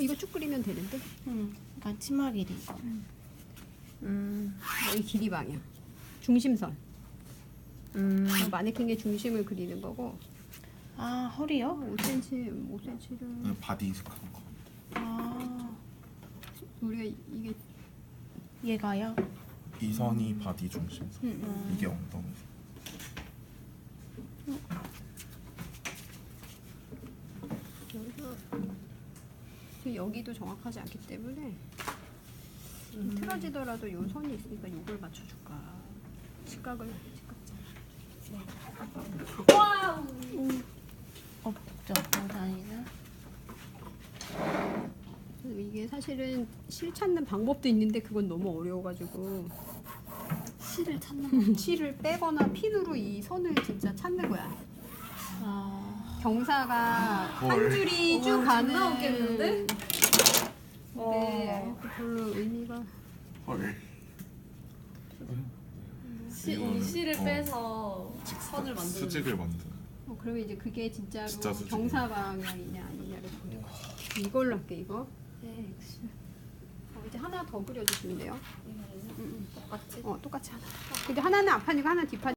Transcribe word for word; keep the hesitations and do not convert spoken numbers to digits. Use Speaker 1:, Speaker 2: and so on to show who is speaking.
Speaker 1: 이거 쭉 그리면 되는데.
Speaker 2: 응. 그러니까 치마 길이.
Speaker 1: 음, 여기 길이 방향. 중심선.
Speaker 2: 음.
Speaker 1: 마네킹의 중심을 그리는 거고.
Speaker 2: 아 허리요?
Speaker 1: 오 센티미터, 오 센티미터를.
Speaker 3: 그 바디 이식한 거.
Speaker 2: 아
Speaker 1: 우리가 이게
Speaker 2: 얘가요?
Speaker 3: 이 선이 바디 중심선.
Speaker 1: 음.
Speaker 3: 이게 엉덩이.
Speaker 1: 여기서 여기도 정확하지 않기 때문에 좀 틀어지더라도 요 선이 있으니까 요걸 맞춰줄까. 직각을 직각자.
Speaker 4: 와우.
Speaker 2: 없죠. 다니나?
Speaker 1: 이게 사실은 실 찾는 방법도 있는데 그건 너무 어려워가지고
Speaker 4: 실을 찾는
Speaker 1: 실을 빼거나 핀으로 이 선을 진짜 찾는 거야.
Speaker 2: 아.
Speaker 1: 경사가 한
Speaker 3: 헐.
Speaker 1: 줄이 쭉
Speaker 4: 와,
Speaker 1: 가는.
Speaker 4: 존나 웃겠는데?
Speaker 1: 근데 별로 의미가.
Speaker 3: 헐.
Speaker 4: 시,
Speaker 3: 이거는,
Speaker 4: 이 실을
Speaker 3: 어.
Speaker 4: 빼서 선을 만드는.
Speaker 3: 수직을 만드는.
Speaker 1: 어, 그러면 이제 그게 진짜로
Speaker 3: 진짜 수직이네.
Speaker 1: 경사 방향이냐 아니냐를 보는 거지. 이걸로 할게 이거.
Speaker 4: 네.
Speaker 1: 어, 이제 하나 더 그려주시면 돼요.
Speaker 4: 이거는
Speaker 1: 음,
Speaker 4: 똑같이.
Speaker 1: 어 똑같이 하나. 근데 하나는 앞판이고 하나는 뒷판.